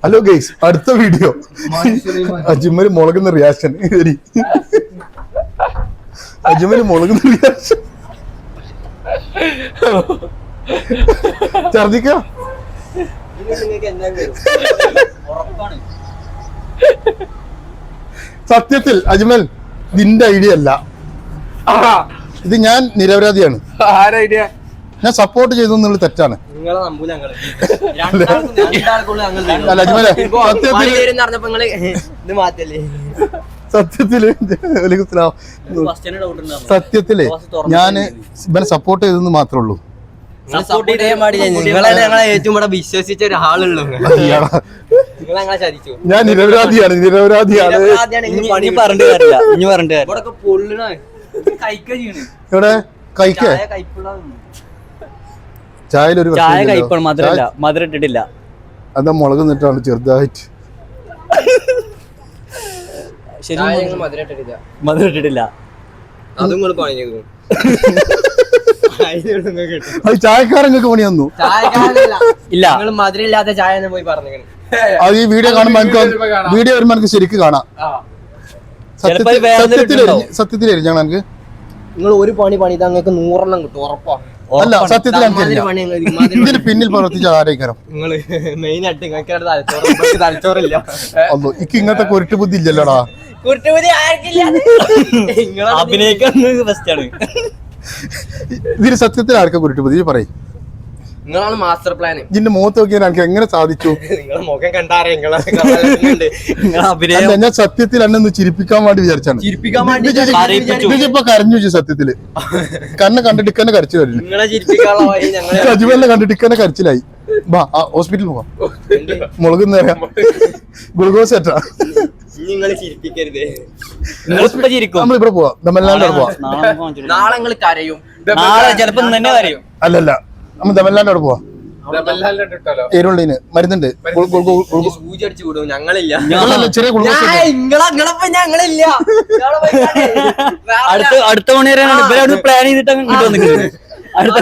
Hello guys, അടുത്ത video Ajmal മുളകുന്ന reaction. Ajmal മുളകുന്ന റിയാക്ഷൻ ഛർദിക്ക. സത്യത്തിൽ അജ്മൽ ഇതിന്റെ ഐഡിയ അല്ല, ഇത് ഞാൻ നിരപരാധിയാണ്. ഞാൻ സപ്പോർട്ട് ചെയ്തു എന്നുള്ളത് തെറ്റാണ്. സത്യത്തില് ഞാൻ ഇവനെ സപ്പോർട്ട് ചെയ്തെന്ന് മാത്രമേ ഉള്ളൂ. വിശ്വസിച്ച ഒരാളുള്ളൂ. ഞാൻ നിരപരാധിയാണ്. ഇവിടെ കഴിക്ക ചായയിലൊരു മധുരം ഇട്ടിട്ടില്ല. അതാ മുളക് നിട്ടാണ് ചെറുതായിട്ട്. മധുരം ഇട്ടിട്ടില്ല. അത് ചായക്കാരങ്ങൾക്ക് പണി തന്നു. ഇല്ല, മധുരം ഇല്ലാത്ത ചായ പോയി പറഞ്ഞു. അത് ഈ വീഡിയോ കാണുമ്പോ വീഡിയോ വരുമ്പോ എനിക്ക് ശരിക്കും കാണാം. സത്യത്തിൽ എരിഞ്ഞാണ് എനിക്ക്. നിങ്ങൾ ഒരു പണി നിങ്ങൾക്ക് 100 കിട്ടും ഉറപ്പാ. അല്ല, സത്യത്തിൽ ഇതിന് പിന്നിൽ പ്രവർത്തിച്ച ആരേക്കാരം. നിങ്ങള് മെയിൻ ആയിട്ട് തലച്ചോറില്ല. എനിക്ക് ഇങ്ങനത്തെ കുരുട്ട് ബുദ്ധി ഇല്ലല്ലോടാ. അഭിനയിക്കാൻ ബെസ്റ്റാണ്. ഇതിന് സത്യത്തിൽ ആർക്കാ കുരുട്ട് ബുദ്ധി പറയും? നിങ്ങളാണ് മാസ്റ്റർ പ്ലാൻ. ഇതിന്റെ മുഖത്ത് നോക്കിയാൽ എനിക്ക് എങ്ങനെ സാധിച്ചു? മുഖം കണ്ടാറേ ഞാൻ സത്യത്തിൽ എന്നെ ഒന്ന് ചിരിപ്പിക്കാൻ വേണ്ടി വിചാരിച്ചാണ്. ഇപ്പൊ കരഞ്ഞു വെച്ചു. സത്യത്തില് കണ്ണെ കണ്ടിട്ട് ഇക്കന്നെ കരച്ചിൽ വരുന്നു. അജ്മലിനെ കണ്ടിട്ട് ഇക്കന്നെ കരച്ചിലായി. വാ ഹോസ്പിറ്റലിൽ പോവാം. മുളക് ഗ്ലൂക്കോസ് ഏറ്റാ. നമ്മളിവിടെ പോവാം. തമിഴ്നാട്ടിൽ പോവാം. നാളെ നിങ്ങൾ കരയും. ചിലപ്പോ തന്നെ കരയും. അല്ലല്ല, നമ്മൾ തമിഴ്നാട്ടിൽ പോവാം. എരുള്ളിന് മരുന്നുണ്ട്. സൂചി അടിച്ചു വിടും. ഞങ്ങളില്ല. ചെറിയ ഞങ്ങളില്ല. അടുത്ത മണിവരെയാണ് ഇവരോട് പ്ലാൻ ചെയ്തിട്ട് കിട്ടുന്നത്. അടുത്ത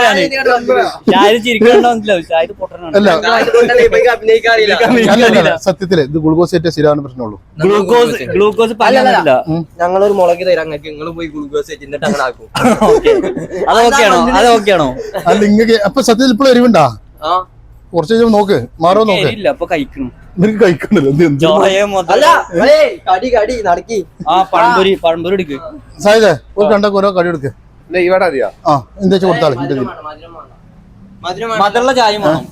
സത്യത്തില് ഇത് ഗ്ലൂക്കോസ് ഏറ്റ സ്ഥിരമാണ് പ്രശ്നമുള്ളൂ. ഗ്ലൂക്കോസ് ഞങ്ങളൊരു മുളക് തരാം. നിങ്ങൾ പോയി ഗ്ലൂക്കോസ് എന്നിട്ട് അങ്ങനെ ആക്കും. അതൊക്കെയാണോ? അല്ല ഇങ്ങനെ അപ്പൊ സത്യത്തിൽ ഇപ്പോൾ എരിവുണ്ടാ? കുറച്ച് നോക്ക്, മാറോ നോക്ക്. അപ്പൊ കഴിക്കണം. നിനക്ക് കഴിക്കണല്ലോ. പഴംപൊരി എടുക്ക്. സായിദേ, ഒരു കണ്ടോരോ കടി എടുക്ക്. എന്താ കൊടുത്താളെ മധുരമുള്ള ചായ വേണം.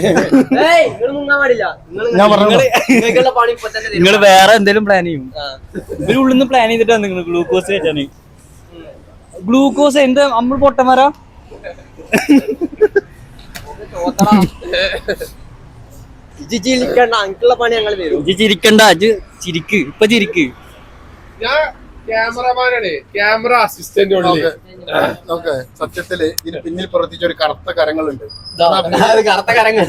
ഞാൻ പറഞ്ഞു, നിങ്ങൾ വേറെ എന്തെങ്കിലും പ്ലാൻ ചെയ്യും. ഇവര് ഉള്ളിന്ന് പ്ലാൻ ചെയ്തിട്ടാണ് നിങ്ങൾ ഗ്ലൂക്കോസ് വെച്ചാണ്. ഗ്ലൂക്കോസ് എന്താ നമ്മൾ പൊട്ടന്മാരാ? ചിരിക്കണ്ട, ചിരിക്ക്. ഇപ്പൊ ചിരിക്ക്. ക്യാമറമാനാണ്, ക്യാമറ അസിസ്റ്റന്റ്. സത്യത്തില് ഇതിന് പിന്നിൽ പ്രവർത്തിച്ച ഒരു കറുത്ത കരങ്ങളുണ്ട്. കറുത്ത കരങ്ങൾ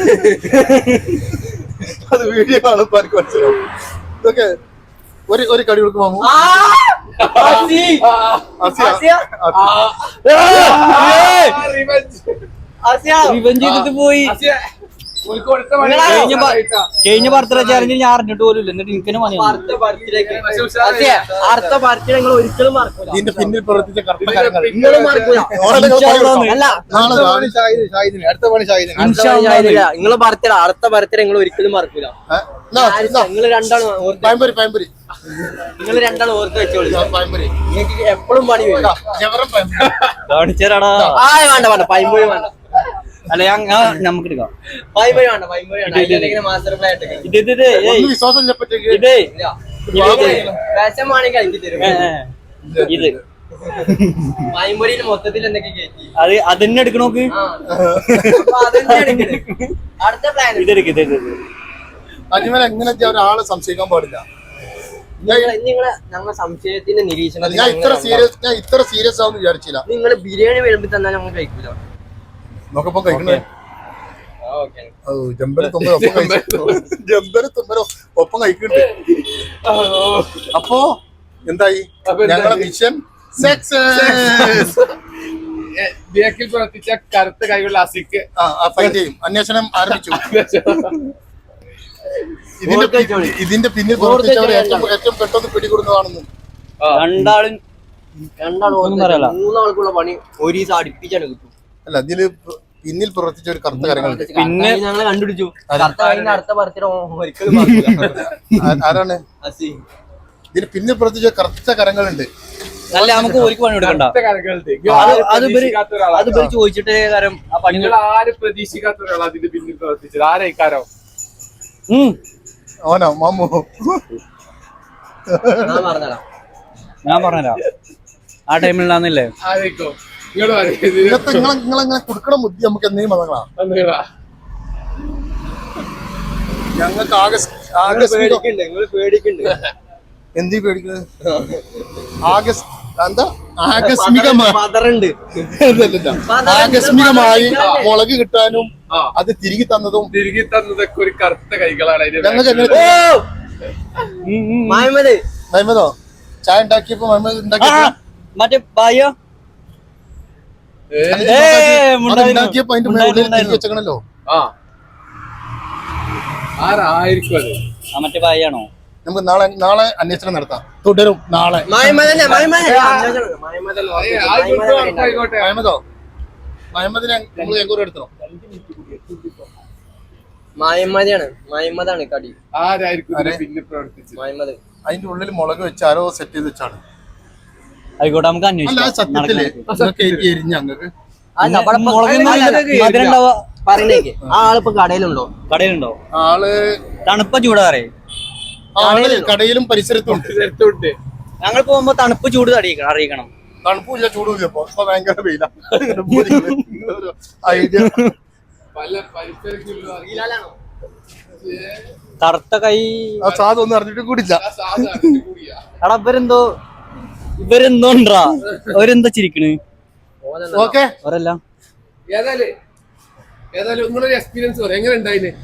അത് വീഡിയോ കാണുമ്പോ എനിക്ക് മനസ്സിലാവും. ഇതൊക്കെ ഒരു കടി കൊടുക്കുമ്പോ പോയി. കഴിഞ്ഞ ബർത്ത്ഡേ ചാലഞ്ചിൽ ഞാൻ അറിഞ്ഞിട്ട് പോലും. എന്നിട്ട് എനിക്ക് അടുത്ത ബർത്ത്ഡേ നിങ്ങൾ ഒരിക്കലും മറക്കൂല. ഇതിന്റെ പിന്നിൽ പ്രവർത്തിച്ച കറുത്ത കരങ്ങൾ നിങ്ങളെ ബർത്ത്ഡേ, അടുത്ത ബർത്ത്ഡേ നിങ്ങൾ ഒരിക്കലും മറക്കൂല. നിങ്ങൾ രണ്ടാളും ഓർത്ത് വെച്ചോളൂ. നിങ്ങൾക്ക് എപ്പോഴും പണി വരും. വേണ്ട പൈമ്പൊഴി വേണ്ട. അല്ല നമുക്ക് എടുക്കാം. ഇത് മൊത്തത്തിൽ എന്തൊക്കെ അതന്നെ എടുക്കണോക്ക്. അജ്മൽ എങ്ങനെ ഒരാളെ സംശയിക്കാൻ പാടില്ല. ഞങ്ങളെ സംശയത്തിന്റെ നിരീക്ഷണം ഞാൻ ഇത്ര സീരിയസ് ആവുന്ന വിചാരിച്ചില്ല. നിങ്ങൾ ബിരിയാണി വിളമ്പി തന്നാൽ ഞങ്ങൾ കഴിക്കൂല. നോക്കപ്പോ കഴിക്കണേ. ഒപ്പം കഴിക്കണ്ടേ. അപ്പോ എന്തായി ഞങ്ങളെ മിഷൻ സക്സസ്. ബേക്കിൽ പ്രവർത്തിച്ച കറുത്ത കൈകളുള്ള അസിക്ക് ഫൈറ്റ് ചെയ്യും. അന്വേഷണം ആരംഭിച്ചു. ഇതിന്റെ പിന്നിൽ പ്രവർത്തിച്ചവർ ഏറ്റവും പെട്ടെന്ന് പിടികൂടുന്നതാണെന്ന്. മൂന്നാൾക്കുള്ള പണി ഒരു ദിവസം അടുപ്പിച്ചാണ് കിട്ടും. അല്ല, ഇതില് പിന്നിൽ പ്രവർത്തിച്ച ഒരു കറുത്ത കാര്യങ്ങളുണ്ട്. പിന്നെ ഞങ്ങള് കണ്ടുപിടിച്ചു അടുത്ത ബർത്ത്ഡേ ഒരിക്കലും ആരാണ് ഇതിന് പിന്നിൽ പ്രവർത്തിച്ച കറുത്ത കരങ്ങളുണ്ട്. അല്ല, നമുക്ക് ഒരു പണി കൊടുക്കണ്ട. അത് ചോദിച്ചിട്ട് കാര്യം ആ പണി ആരും പ്രതീക്ഷിക്കാത്ത ഒരാൾ അതിന്റെ പിന്നിൽ പ്രവർത്തിച്ചത് ആരായിക്കാരോ? ഓനോ മാമോ? ഞാൻ പറഞ്ഞുതരാം. ആ ടൈമിൽ ഉണ്ടാകുന്നില്ലേ ആരായിക്കോ? ഇങ്ങോട്ട് നിങ്ങളെങ്ങനെ കൊടുക്കണം ബുദ്ധി നമുക്ക് എന്തെങ്കിലും മതങ്ങളാ? ഞങ്ങൾക്ക് എന്തി പേടിക്കുന്നത്? ആകസ്മികമായി മുളക് കിട്ടാനും അത് തിരികെ തന്നതൊക്കെ ഒരു കറുത്ത കൈകളാണ്. മഹമ്മദോ ചായ ഉണ്ടാക്കിയപ്പോ മഹമ്മദ് മറ്റേ ബായോ ഉണ്ടാക്കിയപ്പോ അതിന്റെ മുകളിൽ തിരികെ വെച്ചേക്കണല്ലോ. ആരായിരിക്കും അത്? മറ്റേ ബായാണോ? നമുക്ക് നാളെ അന്വേഷണം നടത്താം. തുടരും നാളെ. മഹമ്മദിനെ നമ്മൾ എങ്കൂടെ എടുത്തോ? മഹമ്മദാണ് കടി. ആരായിരിക്കും പിന്നെ പ്രവർത്തിച്ചത്? മഹമ്മദ് അതിന്റെ ഉള്ളിൽ മുളക് വെച്ച് ആരോ സെറ്റ് ചെയ്ത് വെച്ചാണ്. ആയിക്കോട്ടെ, നമുക്ക് അല്ല, സത്യത്തില് എരിഞ്ഞ അങ്ങക്ക് പറഞ്ഞേക്ക്. ആ ആളിപ്പോ കടയിലുണ്ടോ? ആള് തണുപ്പ ചൂടാറേ കടയിലും പരിസരത്തും ഞങ്ങൾ പോകുമ്പോ തണുപ്പ് ചൂട് അറിയിക്കണം. തണുപ്പില്ല ചൂടുമില്ല. ഇപ്പൊ ഭയങ്കര വെയില. ഐഡിയ കറുത്ത കൈ സാധൊന്നും അറിഞ്ഞിട്ട് കൂടില്ല. എടാ ഇവരെന്തോണ്ടാ അവരെന്താ ചിരിക്കണ്? ഓക്കെ അവരെല്ലാം ഏതായാലും നിങ്ങളൊരു എക്സ്പീരിയൻസ് പറയും. എങ്ങനെ ഉണ്ടായിന്?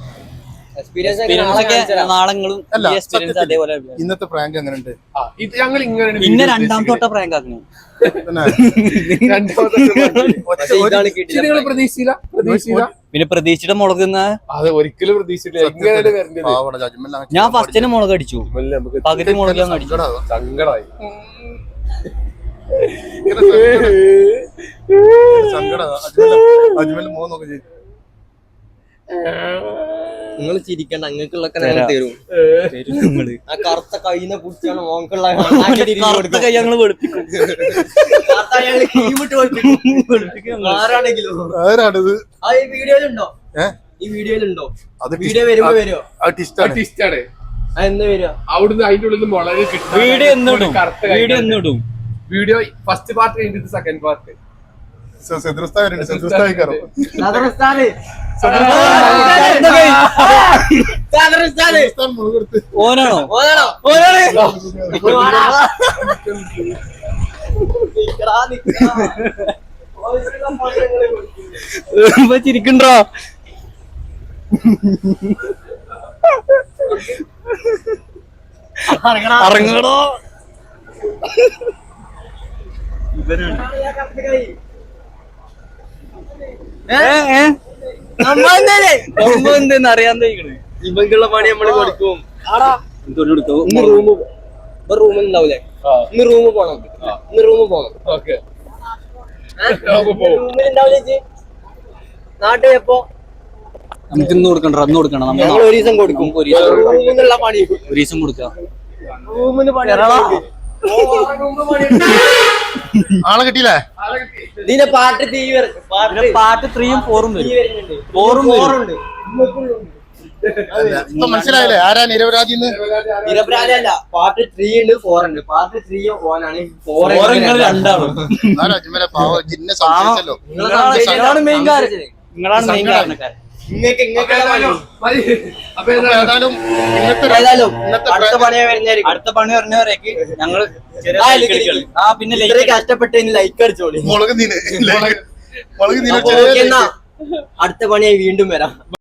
നാളങ്ങളും അതേപോലെ. ഇന്നത്തെ പ്രാങ്ക് എങ്ങനെയുണ്ട്? ഞങ്ങൾ ഇങ്ങനെ പിന്നെ രണ്ടാമത്തെ തൊട്ട പ്രാങ്ക് ആക്കണേ. പ്രതീക്ഷിച്ചില്ല. പിന്നെ പ്രതീക്ഷിച്ചിട്ട് മുളക് അത് ഒരിക്കലും പ്രതീക്ഷിച്ചില്ല. ഞാൻ ഫസ്റ്റിന് മുളക് അടിച്ചു, പകുതി മുളക് ഞാൻ അടിച്ചു. സങ്കടമായി. നിങ്ങൾ ചിരിക്കണ്ട, അങ്ങക്കുള്ളൊക്കെ ഞങ്ങൾ തരും. ആ കറുത്ത കൈനെ പിടിച്ചാണ് മോക്കുള്ള കൈ ഞങ്ങള് വെളുപ്പിക്കും. ആരാണെങ്കിലും ആരാണിത്? ഈ വീഡിയോയിലുണ്ടോ? അത് വീഡിയോ വരുമ്പോ വരുമോ? ആർട്ടിസ്റ്റാണ്. എന്ന് വരിക അവിടുന്ന് അതിന്റെ ഉള്ളിൽ നിന്ന് മുളക് കിട്ടും. വീഡിയോ ഫസ്റ്റ് പാർട്ട് കഴിഞ്ഞിട്ട് സെക്കൻഡ് പാർട്ട് ഓനാണോ? ചിരിക്കണ്ടോ? ഇറങ്ങടോ. അറിയാൻ ഇവക്കുള്ള പണി നമ്മള് കൊടുക്കും. റൂമുണ്ടാവൂലേ? ഇന്ന് റൂമ് പോണം. റൂമിലുണ്ടാവില്ലേ നാട്ടിൽ? എപ്പോ നമുക്ക് ഇന്ന് കൊടുക്കണ്ട, അന്ന് കൊടുക്കണം. നമ്മൾ ഒരു ദിവസം കൊടുക്കും. റൂമിനുള്ള പണി ഒരു ദിവസം കൊടുക്കാം. റൂമിന് പണി ആളെ കിട്ടിയില്ലേ? ഇതിന്റെ പാർട്ട് 3ഉം 4ഉം വരും. ഇപ്പൊ മനസ്സിലായില്ലേ ആരാ നിരപരാധി? നിരപരാധിയല്ല. പാർട്ട് 3 ഉണ്ട്, 4 ഉണ്ട്. പാർട്ട് 3 ഓനാണ്, 4 രണ്ടാളും. സംശയിച്ചല്ലോ. നിങ്ങളാണ് മെയിൻ കാരണക്കാരൻ. അപ്പൊ ഏതായാലും അടുത്ത പണി പറഞ്ഞവരേക്ക് ഞങ്ങള് പിന്നെ കഷ്ടപ്പെട്ട് ലൈക്ക് അടിച്ചോളി. മുളക് അടുത്ത പണിയായി വീണ്ടും വരാം.